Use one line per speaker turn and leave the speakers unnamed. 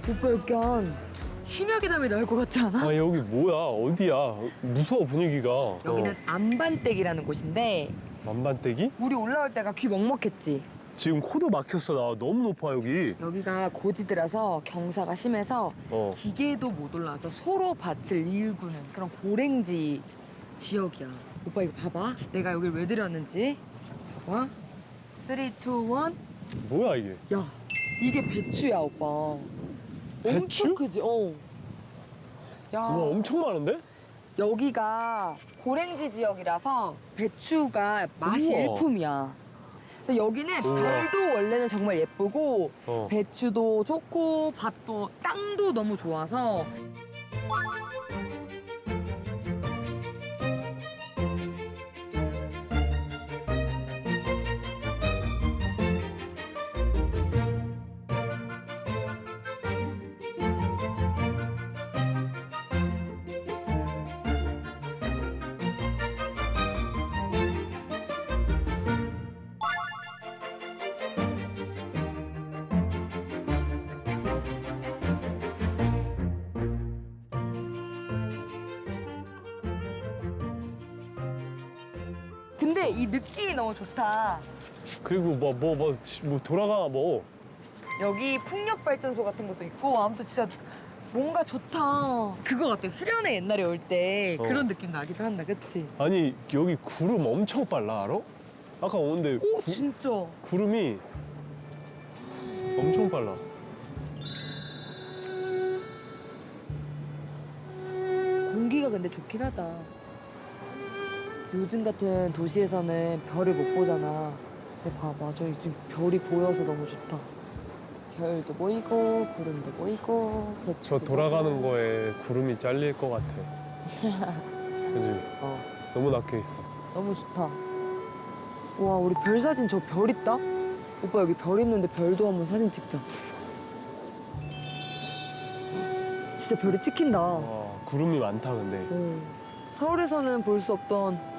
오빠 약간 심야괴담이 나올 것 같지 않아?
아 여기 뭐야? 어디야? 무서워 분위기가.
여기는 안반댁이라는 곳인데
만반떼기?
우리 올라올 때가 귀 먹먹했지.
지금 코도 막혔어. 나 너무 높아 여기.
여기가 고지드라서 경사가 심해서
어.
기계도 못 올라와서 소로 밭을 일구는 그런 고랭지 지역이야. 오빠 이거 봐봐. 내가 여길 왜 들였는지. 봐봐. 3, 2, 1.
뭐야 이게?
야, 이게 배추야, 오빠.
배추?
엄청 크지? 어. 야,
우와 엄청 많은데?
여기가 고랭지 지역이라서 배추가 맛이
우와.
일품이야. 그래서 여기는
우와.
별도 원래는 정말 예쁘고
어.
배추도 좋고 밭도 땅도 너무 좋아서 근데 이 느낌이 너무 좋다.
그리고 뭐 돌아가 뭐.
여기 풍력발전소 같은 것도 있고 아무튼 진짜 뭔가 좋다. 그거 같아. 수련회 옛날에 올 때
어.
그런 느낌 나기도 한다. 그치?
아니 여기 구름 엄청 빨라 알아? 아까 오는데
오 진짜.
구름이 엄청 빨라.
공기가 근데 좋긴 하다. 요즘 같은 도시에서는 별을 못 보잖아. 근데 봐봐, 저기 지금 별이 보여서 너무 좋다. 별도 보이고 구름도 보이고
저
배추도
돌아가는
보이고.
거에 구름이 잘릴 것 같아. 그지?
어,
너무 낮게 있어.
너무 좋다. 와, 우리 별 사진 저 별 있다? 오빠 여기 별 있는데 별도 한번 사진 찍자. 진짜 별이 찍힌다.
구름이 많다 근데.
서울에서는 볼 수 없던